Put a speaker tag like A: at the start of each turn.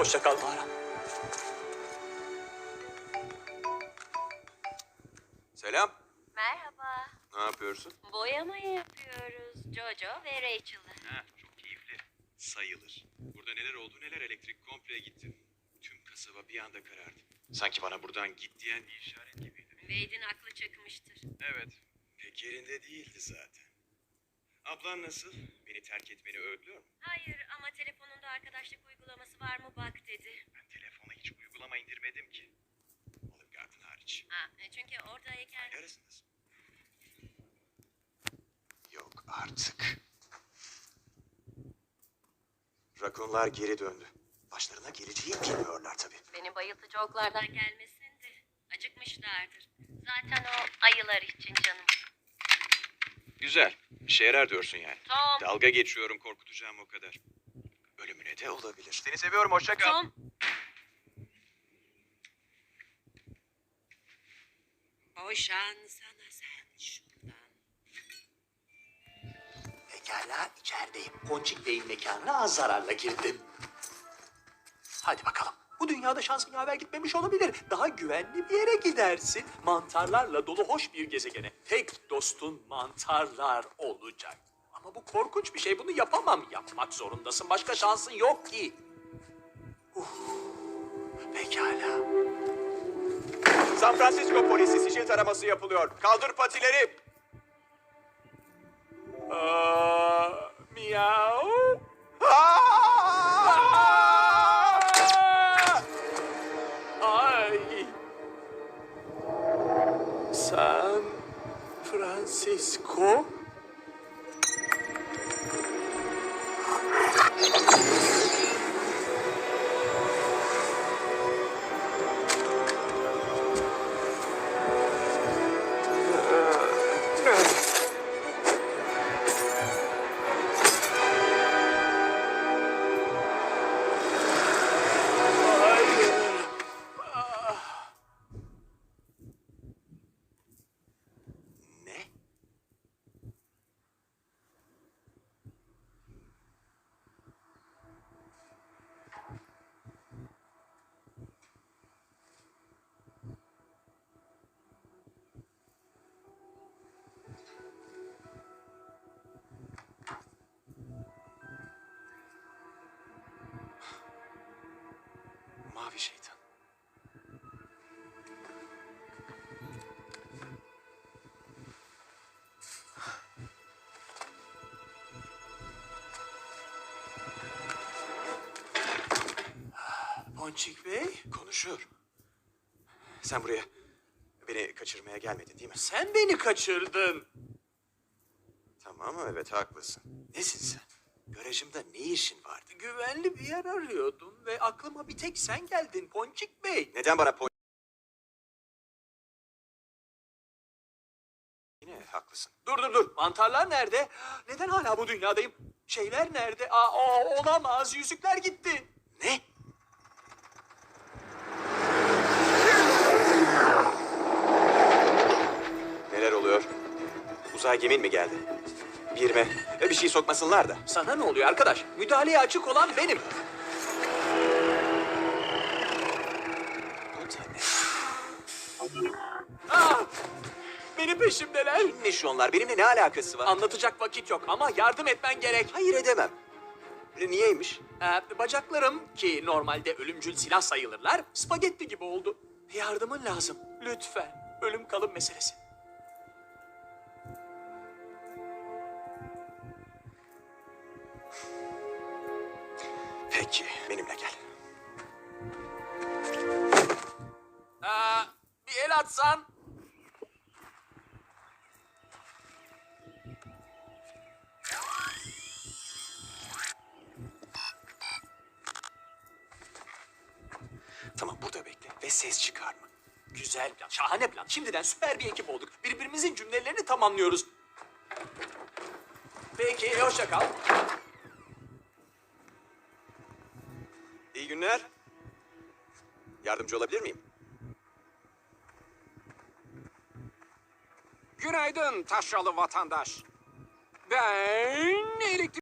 A: Hoşça kal mağara.
B: Selam.
C: Merhaba.
B: Ne yapıyorsun?
C: Boyamayı yapıyoruz. Jojo ve Rachel'la.
B: Çok keyifli. Sayılır. Burada neler oldu neler, elektrik komple gitti. Tüm kasaba bir anda karardı. Sanki bana buradan git diyen bir işaret gibiydi.
C: Wade'in aklı çıkmıştır.
B: Evet. Pek yerinde değildi zaten. Ablan nasıl? Beni terk etmeni öğütlüyor mu?
C: Hayır ama telefonunda arkadaşlık uygulaması var mı bak dedi.
B: Ben telefona hiç uygulama indirmedim ki. Olive Garden hariç.
C: Çünkü oradayken...
B: Arasındasın. Yok artık. Rakunlar geri döndü. Başlarına geleceği bilmiyorlar tabii.
C: Beni bayıltıcı oklardan gelmesin de acıkmışlardır. Zaten o ayılar için canım.
B: Güzel. İşe yarar diyorsun yani.
C: Tom.
B: Dalga geçiyorum, korkutacağım o kadar. Ölümüne de olabilir. Seni seviyorum, hoşça kal.
C: Tom. Boşan sana sen şundan.
A: Pekala, içerideyim. Ponçik Bey'in mekanına az zararla girdim. Hadi bakalım. Bu dünyada şansın yaver gitmemiş olabilir. Daha güvenli bir yere gidersin. Mantarlarla dolu hoş bir gezegene. Tek dostun mantarlar olacak. Ama bu korkunç bir şey. Bunu yapamam. Yapmak zorundasın. Başka şansın yok ki. Pekala.
B: San Francisco polisi sicil taraması yapılıyor. Kaldır patileri.
A: Miau. Ay. San Francisco.
B: Ne? Mavi şeytan.
A: Ponçik Bey,
B: Konuşuyor. Sen buraya beni kaçırmaya gelmedin değil mi?
A: sen beni kaçırdın.
B: Tamam, evet haklısın. Nesin sen? Garajımda ne işin vardı?
A: Güvenli bir yer arıyordum ve aklıma bir tek sen geldin Ponçik Bey.
B: Neden bana Yine haklısın.
A: Dur. Mantarlar nerede? Neden hala bu dünyadayım? Şeyler nerede? Olamaz. Yüzükler gitti.
B: Ne? Neler oluyor? Uzay gemin mi geldi? Bir yerime bir şey sokmasınlar da.
A: Sana ne oluyor arkadaş? Müdahaleye açık olan benim.
B: Bu da ne?
A: Benim peşimdeler.
B: Kimmiş onlar? Benimle ne alakası var?
A: Anlatacak vakit yok ama yardım etmen gerek.
B: Hayır edemem. Niyeymiş?
A: Bacaklarım ki normalde ölümcül silah sayılırlar, spagetti gibi oldu. Yardımın lazım. Lütfen. Ölüm kalım meselesi.
B: Peki, benimle gel.
A: Bir el atsan.
B: Tamam, burada bekle ve ses çıkarma.
A: Güzel plan, şahane plan. Şimdiden süper bir ekip olduk. Birbirimizin cümlelerini tamamlıyoruz. Peki, hoşça kal.
B: İyi günler. Yardımcı olabilir miyim?
D: Günaydın taşralı vatandaş. Ben elektrik